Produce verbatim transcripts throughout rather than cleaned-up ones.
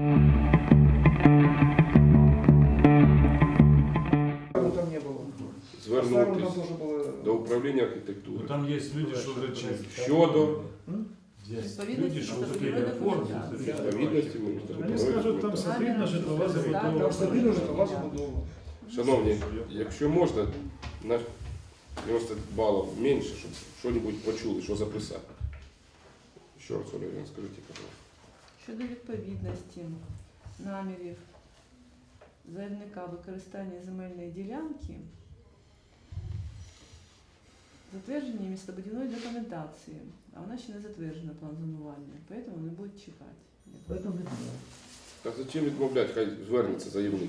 Там не було. Звернутися до управління архітектури. Ну, там є люди, що вже чесно. щодо Є люди, що успіли оформити. відповідності Вони скажуть, там стабільна житлова забудова. Там стабільна житлова забудова. Шановні, якщо можна, на дев'яносто балів менше, щоб щось почули, що записати. Ще раз, Оля, скажіть, пожалуйста. Щодо відповідності намірів заявника використання земельної ділянки, затвердження містобудівної документації, а вона ще не затверджена план зонування, тому вони будуть чекати. Поэтому не знаю. Так зачем відмовляти, хай звернеться заявник.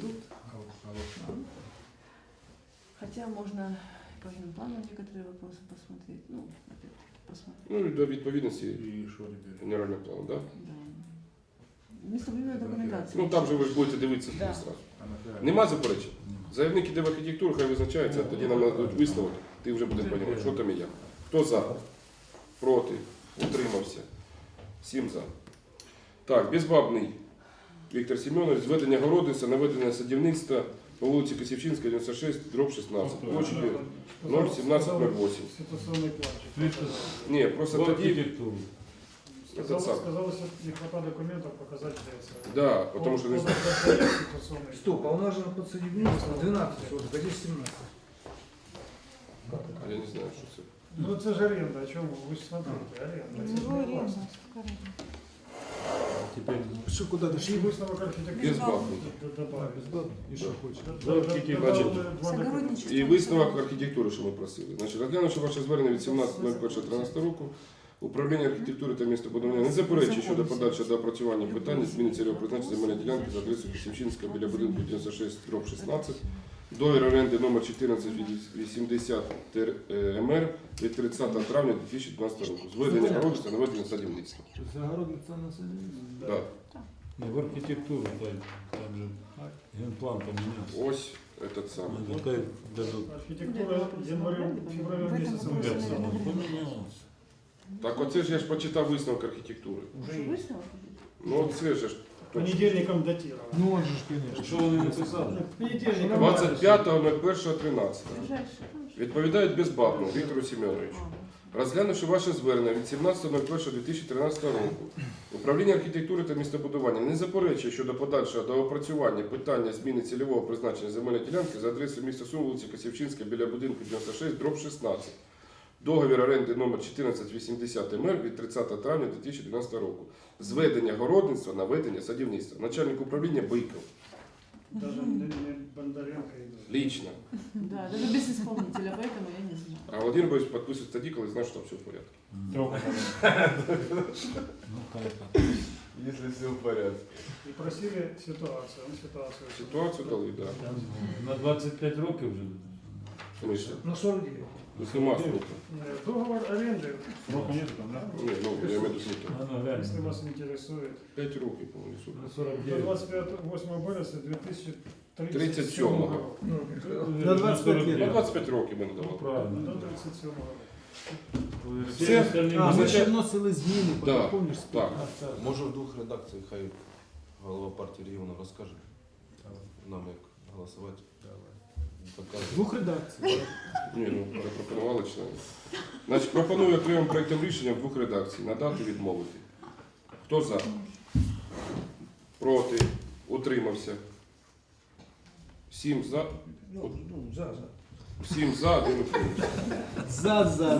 Хотя можно по генплану некоторые вопросы посмотреть. Ну, опять посмотреть. Ну і до відповідності І що робити? генерального плану, так? Да? Да. Містобудівної документації. Ну там же ви ж будете дивитися Да. зразу. Нема заперечень? Заявник іде в архітектуру, хай визначається, тоді нам нададуть висновок, ти вже будеш розуміти, що там і як. Хто за? Проти? Утримався? Сім за. Так, Безбабний Віктор Семенович, зведення городництва, наведення садівництва по вулиці Косівчинська, дев'яносто шість, дроб шістнадцять, площадю нуль сімнадцять нуль вісім. Ситуаційний план. Ні, просто По тоді... архітектурі. Этот сам. Сказалось, не хватает документов показать ДС. Да, потому что... Стоп, а у нас же под садівництво двенадцать соток, а здесь семнадцать. А я не знаю, що це. Ну це ж аренда, о чому? Ви ж смотрите, аренда. Це ж не власність. Тепер Что, куда І дошли? висновок архітектури Безбабний. добавить. И что хочешь? Значить, і висновок архітектури, що ми просили. Значить, розглянувши ваше звернення від сімнадцятого першого тринадцятого року, управління архітектури та містобудування не заперечує щодо подальшого доопрацювання питання зміни цільового призначення земельної ділянки за адресою Косівчинська біля будинку дев'яносто шість дроб шістнадцять, договір оренди номер чотирнадцять вісімдесят ем ер від тридцятого травня дві тисячі дванадцятого року. Зведення городництва, наведення садівництва. Загородница на садівництво? Да. не в архітектуру, так, там же генплан помінявся. Ось этот самий. Ну, нехай дадуть. Архітектура январем, февралем місяцем. Ну, як це воно помінялося? Так оце ж я ж почитав висновок архітектури. Уже висновок? Ну це ж Понедельником датировано. Ну он же, ж, конечно. Що вони написали? Понедельником. двадцять п'ятого першого тринадцятого. Ближайше. Відповідають Безбабному Віктору Семеновичу. Розглянувши ваше звернення від сімнадцятого першого дві тисячі тринадцятого року, управління архітектури та містобудування не заперечує щодо подальшого доопрацювання питання зміни цільового призначення земельної ділянки за адресою міста Сум, вулиця Косівчинська біля будинку дев'яносто шість дроб шістнадцять. Договір оренди номер чотирнадцять вісімдесят ем ер від тридцятого травня дві тисячі дванадцятого року. Зведення городництва, наведення садівництва. Начальник управління Биков. Даже не не Бондаренко и Лично. Да, даже без исполнителя, поэтому я не знаю. А Владимир Борисович підписує тоді, коли знає, що там все в порядку. Ну, так. Если все в порядке. И просили ситуацию. Он ситуацию. Ситуацію дали, так. Да. Там на двадцять п'ять років вже. Смисл? На сорок девять. Тут нема строку. Э, Договор аренды, Срока нет там, да? Ні, ну, я маю смисл. А, ну, реально. если вас интересует, П'ять років, по-моєму, суд. На сорок до дев'ять. двадцать восьмого березня две тысячи тридцять тридцать сьомого. седьмого року. Ну, на двадцять п'ять Ну, лет. двадцять п'ять років ми не Ну, давали. правильно. До тридцать седьмого року. Всі Все? остальні А, ми були- ще вносили зміни, Да, помниш? так. А, так. Може в двох редакціях хай голова партії регіону розкаже нам, як голосувати. Покаже. Двох редакцій. Ні, ну, запропонували члени. Значить, пропоную окремим проєктом рішення в двох редакцій. Надати, відмовити. Хто за? Проти? Утримався? Сім за? Ну, ну, за, за. Сім за, один утримався. За, за.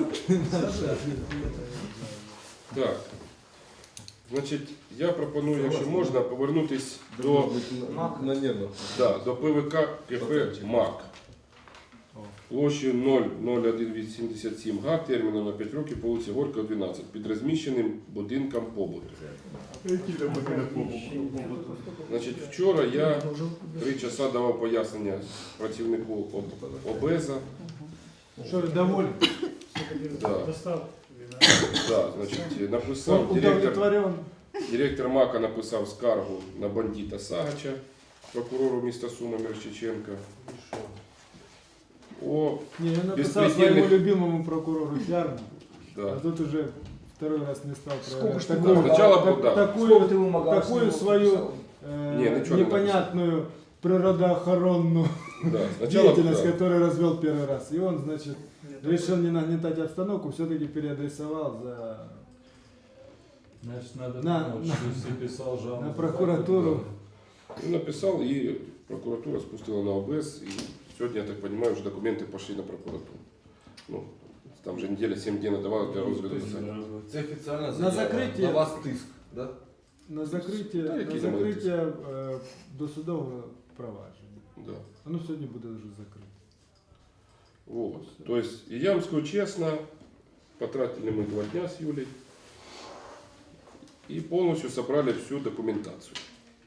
Так. Значить, я пропоную, якщо можна, повернутися до, На небо. да, до ПВК КП МАК. Площею нуль нуль один вісімдесят сім га, терміном на п'ять років по вулиці Горького, дванадцять, під розміщеним будинком побуту. Значить, вчора я три часа давав пояснення працівнику об- ОБЕЗа. Що, ви доволі? Да. Достав. Да, значить, написав Он директор, удовлетворен. директор МАКа написав скаргу на бандита Сагача, прокурору міста Суми Мирчиченка. О, Не, я написал Беспредельных- своему любимому прокурору Фярну, а да. тут уже второй раз не стал Сколько проверять. ж ты Такую, дал? Сначала так- был, да. такую, Сколько ты ему магазинов такую свою написал? э, Не, ничего не непонятную природоохранную Да, сначала деятельность, да. которую развел первый раз. И он, значит, Нет, решил не нагнетать обстановку, все-таки переадресовал за Значит, надо На- думать, на- что если писал жалобу. на прокуратуру. Ну, написал, и прокуратура спустила на ОБС, и сегодня, я так понимаю, уже документы пошли на прокуратуру. Ну, там же неделя, семь дней надавалось для розгляду питання. Це офіційна На заява. закриття- На вас тиск, да? на закриття, Та, на які закриття е, досудового провадження. Да. Воно сьогодні буде вже закрите. Вот. То есть, и я вам скажу честно, потратили мы два дня с Юлей и полностью собрали всю документацию.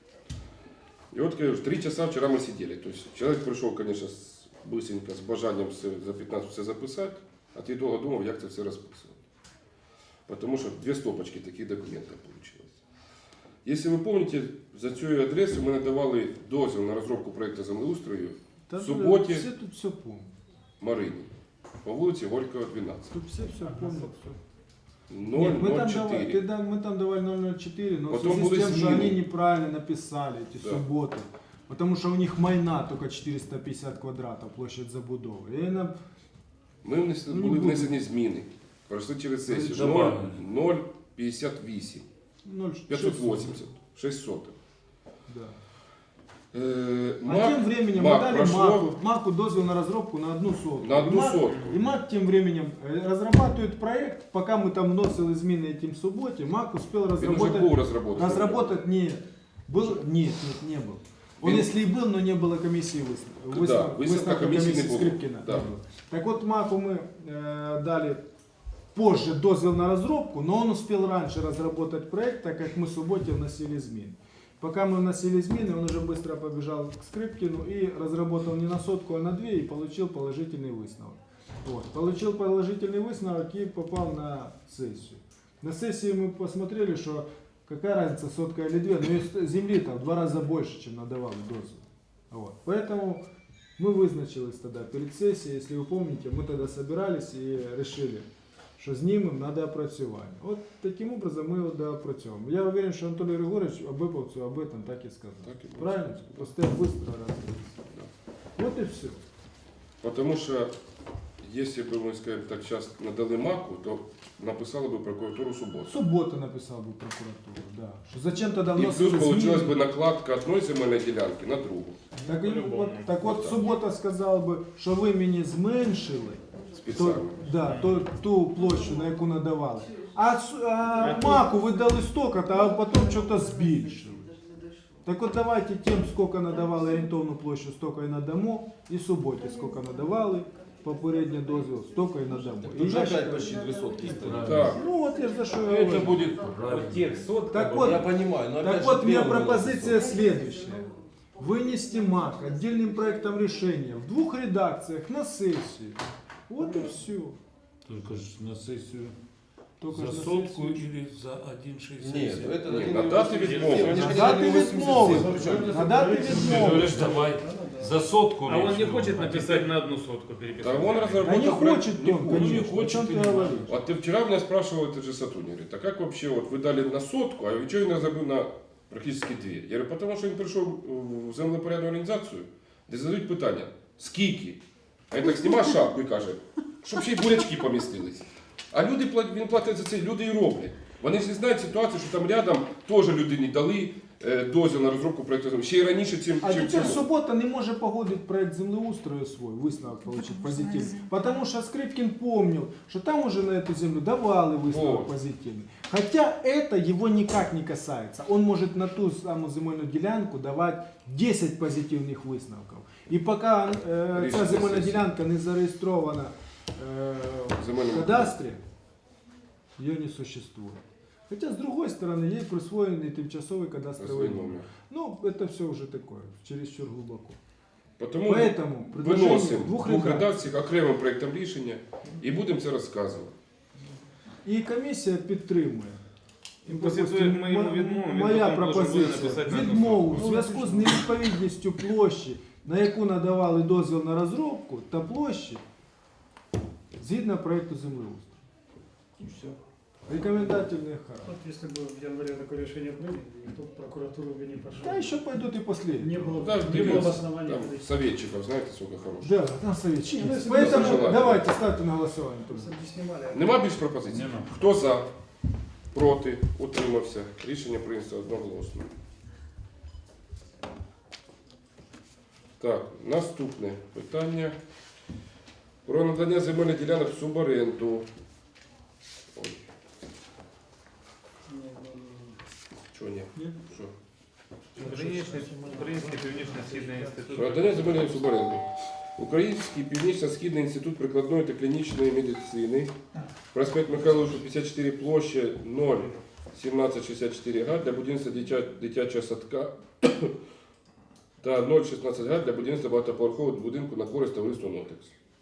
И вот, конечно, три часа вчера мы сидели. То есть, человек пришел, конечно, с, быстренько, с бажанием все, за пятнадцать все записать, а ты долго думал, как это все расписывать. Потому что две стопочки таких документов получилось. Если вы помните, за цю адресу ми надавали дозвіл на розробку проєкту землеустрою Та в суботі Всі тут все помнять. Марині по вулиці Горького, двенадцать. Тут все все помнят. Все. ноль Нет, мы, ноль там давали, чотири. ты да- мы там давали ноль ноль четыре, но Потом в связи были с тем, что зміни. они неправильно написали эти Да. субботы. Потому что у них майна только четыреста пятьдесят квадратов, площадь забудови. И она, Ми внесли, Ну, не були буду. внесені зміни. Пройшли через сесію. Добавили. ноль п'ятдесят вісім. ноль п'ятсот вісімдесят. шість сотих. Да. Е, А МАК, тем временем МАК мы дали прошло МАКу, МАКу дозвел на разработку на одну сотку. на одну И МАК- сотку. И МАК тем временем э, разрабатывает проект, пока мы там вносили измены этим субботе, МАК успел Він уже разработать... був розроблений. Разработать нет. Был? Нет, нет, не был. Он Він- если и был, но не было комиссии выставки. Да, выставка комиссии не было. Скрипкина. Да. не было. Так вот, МАКу мы э, дали позже дозвел на разработку, но он успел раньше разработать проект, так как мы в субботе вносили измены. Пока мы вносили измены, он уже быстро побежал к Скрипкину и разработал не на сотку, а на две и получил положительный высновок. Вот. Получил положительный высновок и попал на сессию. На сессии мы посмотрели, что какая разница, сотка или две, но есть земли там в два раза больше, чем надавали дозвол. Вот. Поэтому мы вызначились тогда перед сессией, если вы помните, мы тогда собирались и решили, що знімемо на доопрацювання. От таким образом ми його доопрацьовуємо. Я уверен, що Анатолій Григорович об Иповцу об этом так і сказав. Так і було. Правильно? Просто я быстро раз. Вот і все. Потому что, если бы мы, скажем так, сейчас надали МАКу, то написали бы прокуратуру субботу. Субота написав би прокуратура, да. Що зачем тоді И плюс вносили получилась зміни? бы накладка одной земельной делянки на другу. Так, і, от, так от субота сказав би, що ви мені зменшили то, Специально. да, то, ту площу, на яку надавали. А, су- а маку ви дали столько-то, а потім щось збільшили. Так вот давайте тем, сколько надавали орієнтовну площу, столько і надамо, і суботі, сколько надавали, попередній дозвіл, столько і надамо. І Тут же я опять считаю- почти две сотки стоит. Так. Ну вот я ж за що я Это говорю. будет В правильно. тех сотках. Так вот, Я понимаю, но опять так же вот, у меня первый пропозиция вопрос. следующая. Вынести МАК отдельным проектом решения в двух редакциях на сессию. Вот и все. Только ж на сессию Только за ж на сотку сессию. или за один шестьдесят Нет, семь. это Нет, один на даты восемьдесят відмови. семь, они же На хотели даты восемьдесят семь, відмови. причем- На даты Ты відмови. говоришь, давай за сотку. А он речь не идет. хочет написать на одну сотку, переписать. Да он Да разработал не проект- хочет не он, хочет. конечно. не хочет О чем и ты не говоришь? Вот ты вчера меня спрашивал этот же сотрудник, говорит, а как вообще, вот вы дали на сотку, а вы что не забыл на практически две? Я говорю, потому що він прийшов в землепорядну організацію, де задають питання, скільки? А він так знімає шапку і каже, щоб ще й бурячки помістились. А люди, плат- він платить за це, люди і роблять. Вони ж не знають ситуацію, що там рядом теж людині дали е, дозвіл на розробку проєкту, ще й раніше, чим, А чим теперь цьому. суббота не может погодить проект землеустрою свой, высновок получить позитивный. Потому что Скрипкин помнил, что там уже на эту землю давали высновок Вот. позитивный. Хотя это его никак не касается. Он может на ту самую земельную делянку давать десять позитивных высновков. И пока э, Рішення ця земельна сесії. делянка не зареєстрована э, В в земельному кадастрі, ее не существует. Хотя, с другой стороны, ей присвоенный тимчасовый кадастровый Свій номер. номер. Ну, это все уже такое, чересчур глубоко. Тому Поэтому предложение виносимо в двух двох редакций. редакціях окремим проєктом рішення і будемо це розказувати. І комісія підтримує. І після того, як ми йому відмовимо, він моя потім должен буде пропозиція. написати на одну Відмову в сотку. зв'язку з невідповідністю площі, на яку надавали дозвіл на розробку, та площі, згідно проєкту землеустрою. И все. Рекомендательный характер. Вот если бы в январе такое решение приняли, никто в прокуратуру бы не пошел. Да еще пойдут и последние. Не было, Да, не было дивіться, основания. там прийти. советчиков, знаєте, сколько хороших. Да, там советчики. Ну, если бы Поэтому пожелали. давайте ставьте на голосование. Просто не снимали. а- Нема більш пропозицій? Нема. Хто за? Проти? Утримався? Рішення прийнято одноголосно. Так, наступне питання. Про надання земельних ділянок в суборенду. Ой, Не, не, не. чого ні? Ні? Що? Український Український північно-східний інститут. Про надання земельної суборенди. Український північно-східний інститут прикладної та клінічної медицини. Проспект Михайловича, п'ятдесят чотири, площа ноль сімнадцять шістдесят чотири га для будівництва дитя- дитячого садка та ноль шістнадцять га для будівництва багатоповерхового будинку на користь товариства «Нотекс».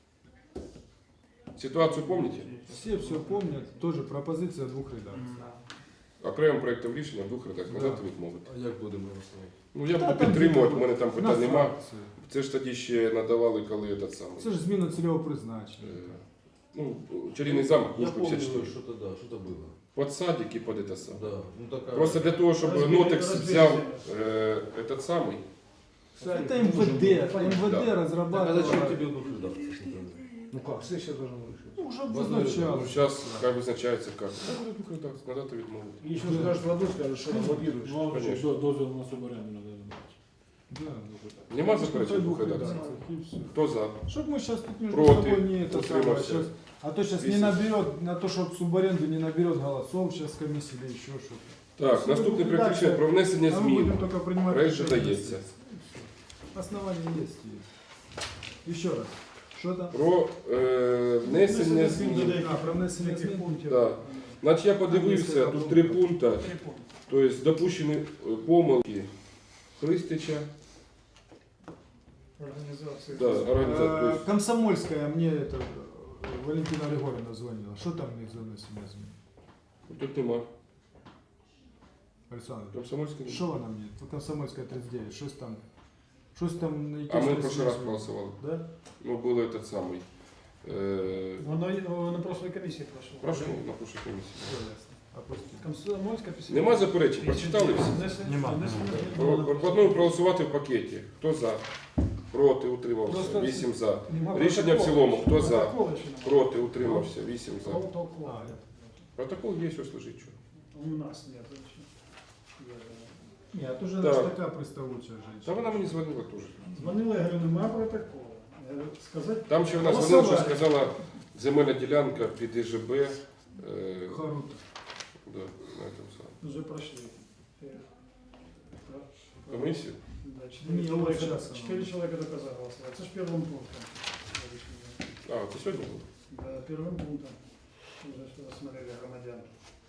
Ситуацію пам'ятаєте? Все все помнят. Тоже пропозиция двух редакций. Окремим проєктом рішення в двох редакціях. Надати відмовити. А як будемо голосувати? Ну я Та буду там підтримувати, типу, в мене там На питань нема. фракцію. Це ж тоді ще надавали, коли этот самий. Це ж зміна цільового призначення. е, Ну, чарівний замок, Я Кушка помню, п'ятдесят чотири. что-то да, что-то было. Под садик і под это саме. Да, ну такая. Просто для того, щоб Розбили- Нотекс розбили взяв землю. е, этот самий. Это эм вэ дэ. эм вэ дэ Да. Так, а разрабатывало. зачем тебе двух редакций? Ну как, сессия должна вышить. Ну, уже Ну, обозначалось. зараз хай визначається як. Надати відмовити. Еще скажешь в аду, скажешь, что лоббируешь. Ну, а Конечно. що, до- дозвіл на суборенду надо дати. Да. Нема Пускай заперечень двух двох редакцій? редакций, и всё. Хто за? Чтоб мы сейчас тут между Против, собой не это самое, утримався. щас- а то сейчас не Вісім. наберет, на то, чтобы субаренду не наберет голосов сейчас комиссия или еще что-то. Так, наступний проект рішення про внесення А мы змін. будем только принимать Проект решение. дається. Основания есть. есть. Еще раз. Что там? Про е, внесення змін. А, про внесення Таких змін. пунктів. Да. Значить, я подивився, тут три пункти. Три пункти. Тобто допущені е, помилки Христича. Организации. Да, організація. Э, Тобто, Комсомольская мне это э, Валентина Григорьевна звонила. Что там у них за внесення змін? тут нема. Александр, Комсомольський. что она мне? Комсомольская тридцать девять. Что там? Что там? на А якісь ми в внесення прошлый раз змін? голосували. Да? Ну, було этот самий. Е, Воно воно на прошлой комиссии прошло. прошу на прошлій комісії. Все ясно. Опустили. Комсомольська після. Нема заперечень? Прочитали всі? Нема, нема. Про- Пропоную проголосувати в пакеті. Хто за? Проти, утримався. Просто- Вісім за. Нема Рішення в протоколу. цілому. Хто за? Протоколу ще нема. Проти, утримався. Вісім за. Протокол. А, я- Протокол є, ось лежить. Що? У нас нет. вообще. Я- Нет, уже Так. наша такая приставучая женщина. Та вона мені дзвонила теж. Дзвонила, я говорю, нема протоколу. Я говорю, сказати, Там ще вона дзвонила, що Голосувати. сказала земельна ділянка під І Ж Б. Е, Харута. да, на этом самом. вже пройшли. Е, Комісію? Да, Не, четыре вот человека, сейчас четыре оно. человека только за голосовали. Это же первым пунктом. А, це сьогодні було? Да, первым пунктом. Уже что рассмотрели громадян.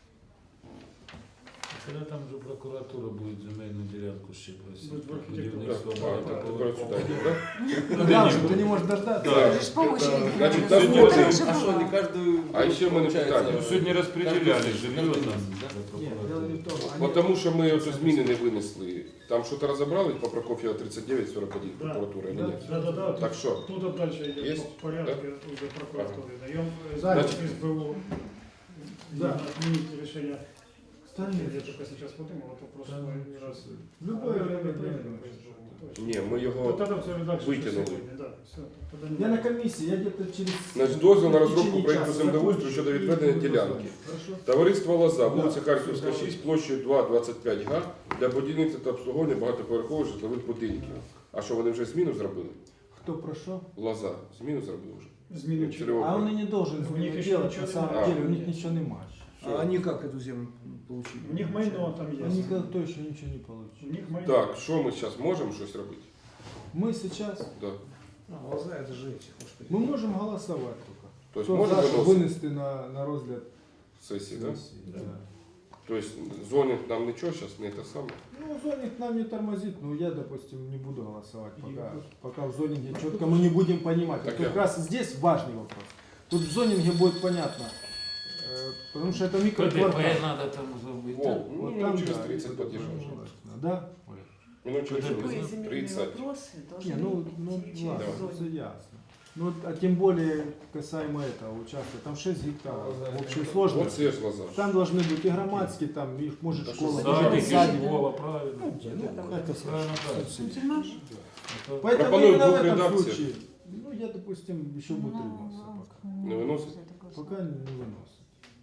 Коли там вже прокуратура буде земельну ділянку ще просити. Будет в архітектурі. Так, Будівництво а, так, багатоповерхового. тепер сюди йде, да? Ну да, что ты не можешь дождаться. Да. Же ж по очереди. Значить, надо. наступний- Ну, так же А что, было. не каждую... А ще в мене питання. Ну, сьогодні розподіляли Каждый- жилье каждый там. месяц, да? для Нет, прокуратури. дело не в том. Бо они- тому що ми оцю зміни не винесли. Там щось розібрали по Прокоф'єва тридцять дев'ять сорок один Да. прокуратура, Да. ні? Да, да, да. Так що? Тут вот дальше идет Есть? по порядку уже прокуратуры. Даем Значит, запись СБУ. да. Отменить решение. Остальные. Я только сейчас подумал, это просто Да, не раз. В любое время время время. Ні, ми Вот його... тогда все редакцию вытянули. сегодня, да, все. Тогда не Я на комиссии, я где-то через... Значить, дозвіл на в розробку течение проєкту часа землеустрою закончу щодо и відведення буду ділянки. голосовать. Хорошо? Товариство Лоза, вулиця Да. Харківська, шість, площею два двадцять п'ять га для будівництва та обслуговування багатоповерхових житлових будинків. А що, вони вже зміну зробили? Кто прошел? Лоза, зміну зробили вже. Изменить. Цільово- А он и не должен У них изменить еще делать, ничего на не самом надо. деле, у них ничего не матч. А они как эту землю получили? У них майно там Они есть. никто еще ничего не У получил. них майно. Так, що ми зараз можемо щось робити? Мы сейчас, Да. А, глаза это же эти, господи. мы можем голосовать только. Тобто Кто можемо за, виносити вынести на, на розгляд сесії, так? сессии, да. Тобто зонінг нам нічого зараз не те саме. Ну, зонинг нам не тормозит, но я, допустим, не буду голосовать, пока, пока в зонинге четко мы не будем понимать. Так Вот я- как раз здесь важный вопрос. Тут в зонинге будет понятно, э, потому что это микроквартал. надо там зробити. О, ну, Вот минут там, через да, тридцать это поддержим. желательно. Да? Минут через Любые тридцать. земельные тридцать. вопросы должны Не, ну, идти ну через ладно, зону. это ясно. Ну, а тем более касаемо этого участка, там шесть гектаров в общей Вот сложности. це ж Лазар. Там должны быть и громадские, там, и, может, Да школа, что может, Садик, садик. школа, правильно. Ну, это Правильно, да. Ну, Это- Поэтому Пропоную именно в двух этом редакциях. случае, ну, я, допустим, еще бы утримался пока. Не виносить? Пока не выносит.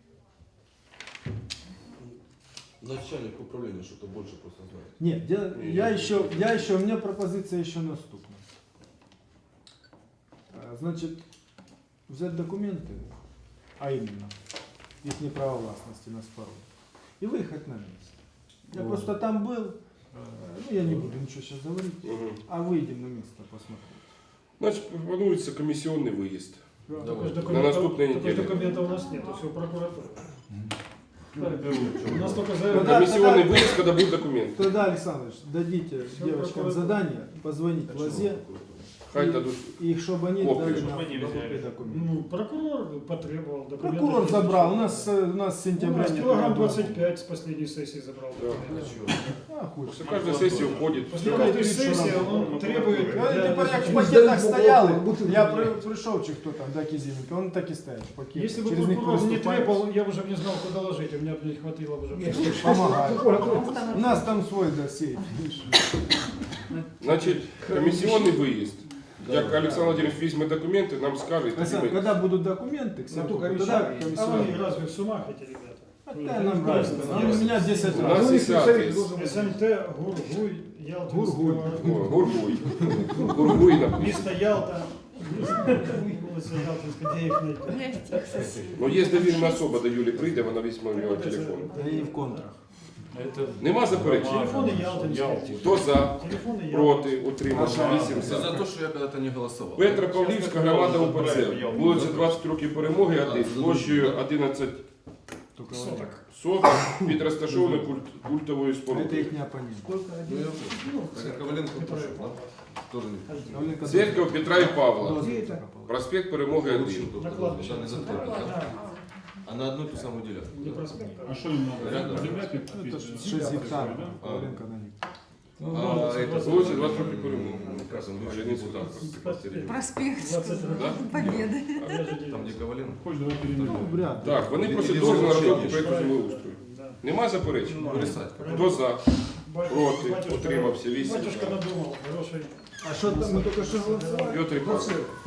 Начальник управления что-то больше просто знает. Нет, я, Не, я я еще, я еще, у меня пропозиция еще наступна. А, Значит, взять документы, а именно, их не право властности на спору, и выехать на место. Я Ну. просто там был, э, ну я не буду ничего сейчас говорить, Угу. а выйдем на место посмотреть. Значить, пропонується комісіонний виїзд. Только Давай. ж На документов, наступной только ж неделе. документов у нас нет, все прокуратура. У нас только Ну заявление. да. Комісіонний тогда- виїзд, коли будуть документи. Тогда, Александрович, дадите Всё, девочкам прокуратура. задание, позвонить А Лазе, Хай дадуть. и чтобы они Копию, дали чтобы нам они взяли. копии документов. Ну, прокурор потребовал документы. Прокурор забрал, у нас, э, у нас с У сентября нас нет килограмм ни одного. двадцать пять с последней сессии забрал Да. документы. А, хуй. Після кожної сесії входить. После Ну, каждой это сессии что он требует... Я для- тепер як в для- пакетах стояли, бутылки. я при, прийшов чи хто там, да, Кізіменко, він так і стоять в пакетах. Если бы Через них прокурор не переступають, требовал, я бы уже не знал, куда ложить, у меня бы не хватило бы уже. помагають. У нас там свой досей. Значить, комісіонний виїзд. Як Олександр Владимирович візьме документи, нам скаже, і тоді Александр, ми- когда будут документы, кстати, только тогда решали. А комиссионный. они разве в сумах эти ребята? Какая нам разница? Ну, у меня десять У раз. нас Ну, і их сяд совет є. должен быть. СМТ, Гургуй, Гургуй. Ялтинского... О, Гургуй. Гургуй написано. Место Ялта. Улица Ялтинская, где их найти? Ну, є довірена особа до Юлі прийде, вона візьме у нього телефон. Да и в контрах. Это Нема заперечень? Телефоны Ялтинские. Хто за? Телефоны Ялтинские. Проти? Утримався? Вісім Все за за. то, что я когда-то не голосовал. Петра Павлівська громада УПЦ. Вулиця двадцять років перемоги, один, площею одинадцять Только Соток. соток під розташованою культ- культовою Это спорудою. их не оппонент. Ну, я Ну, Хотя Коваленко который пошел, да? Тоже не Коваленко Церква Петра і Павла. Дозвіл Где это? пропал. Проспект Перемоги один. получил только На кладбище. да, не затылок, да? А на одну и ту самую Не делянку. проспект, А а что им надо? Рядом. Земля Ну, пить? это ж шесть гектаров. Коваленко на гектар. А это Вулиця двадцять років перемоги. Там Ляницький депутат. проспект. Проспект двадцать Да? Победы. Там где Коваленко. Хочешь, давай Ну, перенесем. вряд ли. Так, вони Или просять или дозвіл на залишення. розробку проєкту землеустрою. Да. Нема заперечень? Вырисать. Хто за? Батюшка- Проти? батюшка- Утримався? Вісім Батюшка за. надумал, хороший. А что там мы только что голосовали? Петр і Павло.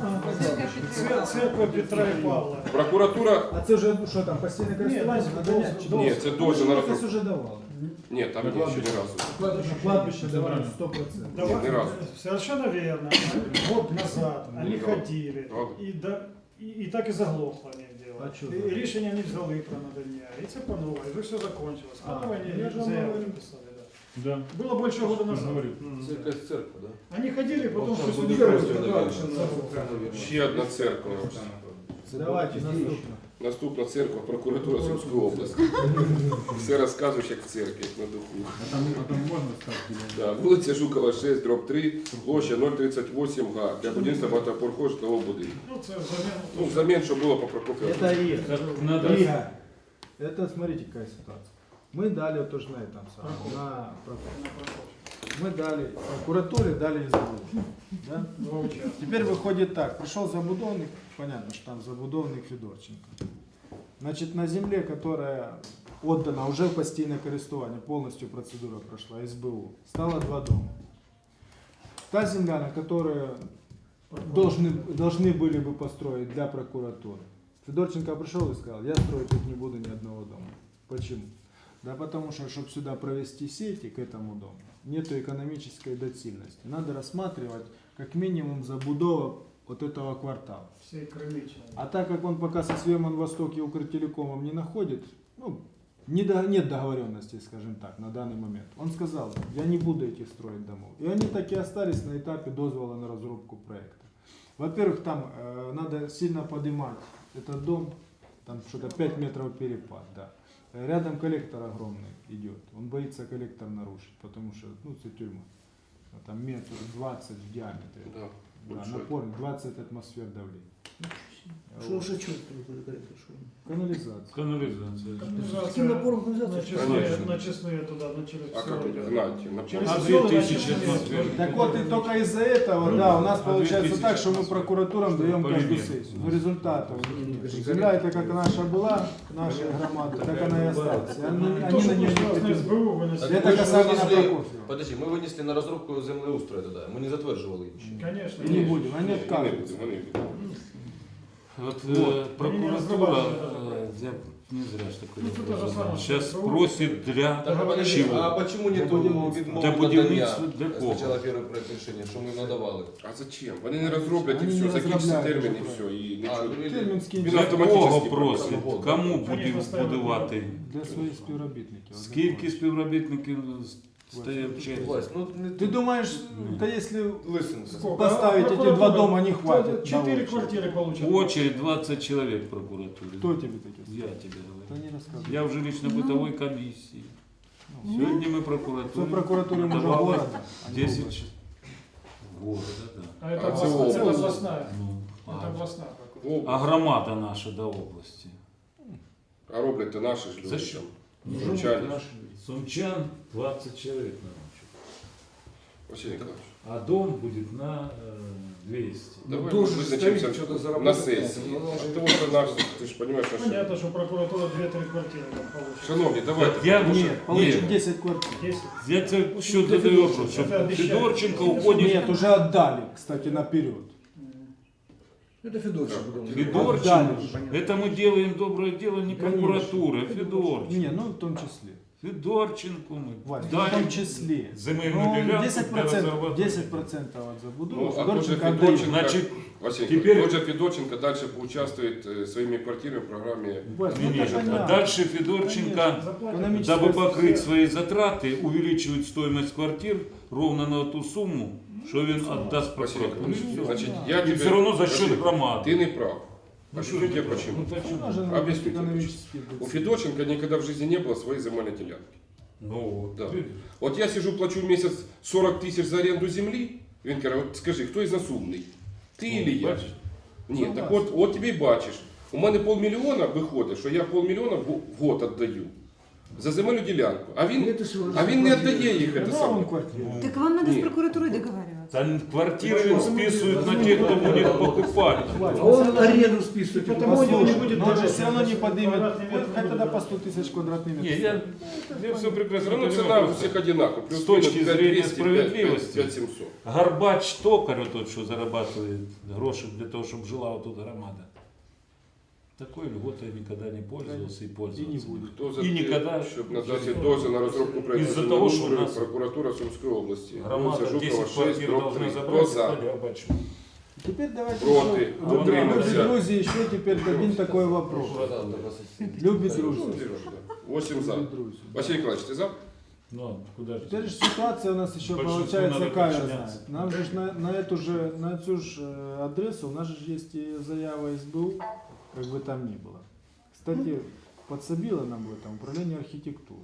Цер- Церковь Петра и Павла. Прокуратура. А це вже, що там, постійне користування? Ні, Надання? дозвіл. Ні, це дозвіл на Якось розробку. уже давали. Ні, там ні, ще ні разу. На кладбище давали сто процентов. Давай- Нет, ни разу. Совершенно верно. Год назад они Ну, да. ходили. Правда. І, да, і, і так і заглохло не дело. А чого? І рішення не взяли про надання. І це по-новому. І вже все закончилось. А, По-новому я они же вам заявки говорю. писали. Да. Да. Было больше года Я назад. говорю. Церковь, церковь, да? Они ходили, потом Вот там что будет сюда просто, забыл. наверное. Ще одна церква. Давайте, наступно. Наступна церква, прокуратура Сумської області. Все розказуєш, як в церкві, як на духу. А там, а там можно ставить? Да, вулиця Жукова, шість, дроб три, площа нуль тридцять вісім га для будівництва багатоповерхового житлового будинку. Ну, це взамен. Ну, взамін, що було по Прокоф'єву. Это Рига. Это надо... Рига. Это, смотрите, какая ситуация. Мы дали вот тоже на этом самом, на прокуратуре. Мы дали прокуратуре, дали СБУ. Да? Два участка. Теперь выходит так, пришел забудовник, понятно, что там забудовник Федорченко. Значит, на земле, которая отдана уже в постійне користування, полностью процедура прошла, СБУ, стало два дома. Та земля, на которую должны, должны были бы построить для прокуратуры. Федорченко пришел и сказал, я строить тут не буду ни одного дома. Почему? Да потому что, чтобы сюда провести сети к этому дому, нету экономической доцільности. Надо рассматривать как минимум забудова вот этого квартала. Всей Крымичной. А так как он пока со Свемон Восток и Укртелекомом не находит, ну, не до- нет договоренности, скажем так, на данный момент. Он сказал, я не буду этих строить домов. И они так и остались на этапе дозвола на разрубку проекта. Во-первых, там э, надо сильно поднимать этот дом, там что-то пять метров перепад, да. Рядом коллектор огромный идет, он боится коллектор нарушить, потому что, ну, это тюрьма. а там метр двадцать в диаметре. Да, Да, большой. напор двадцать атмосфер давления. Что Вот. уже чуть конкретно? Канализация. Канализация. С каким напором На канализация? честные, Конечно. на честные туда, на через А как всё это идет. гнать? На Через А пол? всё две тысячи начисленные атмосфер. Так вот, и только из-за этого, да, у нас А получается две тысячи так, что мы атмосфер. прокуратурам Что даем полимер. каждую сессию. Но результатов. Не, Земля это как наша была, наша громада, так она и осталась. И Они, То, они что на нее пришло не на претендуют. СБУ, выносили. Это Ми ж касаемо винесли- Прокофьева. Подожди, ми винесли на розробку землеустрою тоді. Ми не затверджували її ще. Конечно. И не будем, они Ні, вони откажутся. будуть, вони будуть. Вот, Вот. э, прокуратура, разрабатывали э, я не зря ж такой Ну, вопрос это же задал. самое, Сейчас что просит для Так, а подожди, чего? а почему Для нету будівництва. відмови Для надання будівництва для кого? спочатку перший проект рішення, що ми надавали? А зачем? Вони не розроблять і Вони все, не закінчиться розробляють термін і вже все. І А, нічого. ну, і- Термін скинь Він Для автоматично кого прокурор. просить? Кому Конечно, будемо ставимо. будувати? для своїх співробітників. Скільки співробітників стоять в черзі? Власть, ну не Ты думаешь, да если Лисенко. Сколько? поставить А эти прокуратура- два дома не хватит? на Четыре очередь? квартиры получат. Очередь двадцать человек в прокуратуре. Кто тебе такие? Я тебе Да говорю. не рассказывай. Я уже лично бытовой комиссии. Ну, Сегодня мы Все прокуратуре прокуратуре уже давали города. а не десять области. города, да. А это А областная, это это область. областная. Ну, Это а, областная прокуратура. а громада наша до области. А роблять-то наші ж люди. За що? там. Сумчані. Сумчан двадцать человек на ночь. Василий Николаевич, А дом будет на э, двести. давай мы должен вызначимся ставить, что-то на заработать. сессии. Ну, А должен- ты вот наш, ты же понимаешь, наши... Понятно, что прокуратура две-три квартиры там получит. Шановні, давайте. Я- тому що- Нет, получит Нет. десять квартир. Десять. Я тебе еще задаю вопрос, что Это обещали. Федорченко уходит. Нет, уже отдали, кстати, наперед. Это Федорчик. Да. потом. Федорченко. Отдали. Это мы делаем доброе дело не Конечно. прокуратура, а Федорченко. Не, ну в том числе. Федорченко мы. Вась, в даем том числе. земельную Ну, делянку десять для процентов, разрабатывания. десять процентов от забудовы. Ну, а тот же Федорченко Федорченко, отдает. Значит, Василий теперь- Николаевич, тот же Федорченко дальше поучаствует э, своими квартирами в программе. Вась, ну, Не, не, это а понятно. дальше Федорченко, Конечно. Заплатят. Экономическая дабы покрыть сфера. свои затраты, увеличивает стоимость квартир ровно на ту сумму, что он отдаст Василий прокуратуре. Николаевич, И всё. значит, Да. я И тебе... все равно за счет Василий, громады. Ты не прав. Ну, Объясню что тебе ты- почему. Ну, почему? Она же Объясню тебе экономически У будет. Федорченко никогда в жизни не было своей земельной делянки. Ну, Да. ты- Вот я сижу, плачу в месяц сорок тысяч за аренду земли. Він каже, от скажи, хто із нас умний? Ти Ну, или я? бачиш? Ні, так от, от тобі й бачиш. У мене полмільйона виходить, що я полмільйона в в год віддаю за земельну ділянку. А він, Это всего а він не віддає їх. Це Да, саме. он квартиру. Так вам надо Нет. с прокуратурой договариваться. Там квартиры он списывает на тех, кто будет покупать. А он аренду списывает. Потому у него не Послушай, будет но он же дороже. все равно не поднимет, Квадратный метр хоть не тогда будет. по сто тысяч квадратных метров. Не, я, я все Все прекрасно одно ціна понимаю. у всіх одинакова. Плюс С точки мінус зрения п'ять двісті, справедливости. п'ять сімсот. Горбач токарь, тот, что зарабатывает гроши для того, чтобы жила вот тут громада. Такой льготой никогда не пользовался и пользовался. И не будет. Хто за І те, ніколи- щоб надати дозвіл на розробку проєкту Із-за того, що у землеустрою, нас прокуратура Сумської області. Громада Вулиця Жукова, десять шесть, квартир дроб должна три. Хто забрать, за? а горбач. Теперь давайте Проти. еще, А вот любит Утримався. Грузии, еще теперь дадим такой вопрос. Любит Грузию. Восемь за. Любит Грузию. Василий Николаевич, ты за? Ну, а куда же? Теперь же ситуация у нас еще Большинству получается надо какая подчиняться. знает. Нам же ж на, на эту же на эту же э, адресу у нас же есть и заява СБУ, как бы там ни было. Кстати, подсобило нам в этом управление архитектуры.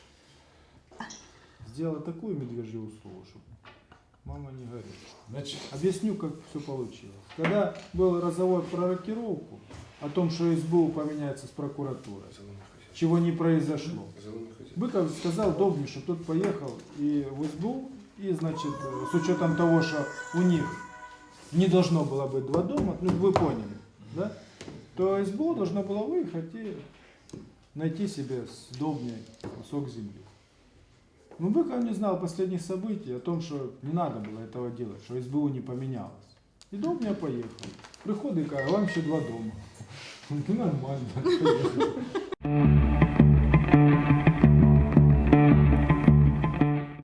Сделало такую медвежью услугу, чтобы мама не горит. Значит, Объясню, как все получилось. Когда был разговор про рокировку, о том, что СБУ поменяется с прокуратурой, чего не произошло. Быков сказал Добни, что тот поехал и в СБУ, и, значит, э, с учетом того, что у них не должно было быть два дома, ну вы поняли, да, то СБУ должно было выехать и найти себе с Добней кусок земли. Но Быков не знал последних событий о том, что не надо было этого делать, что СБУ не поменялось. И Добня поехал. Приходит и говорит, вам еще два дома. Ну нормально.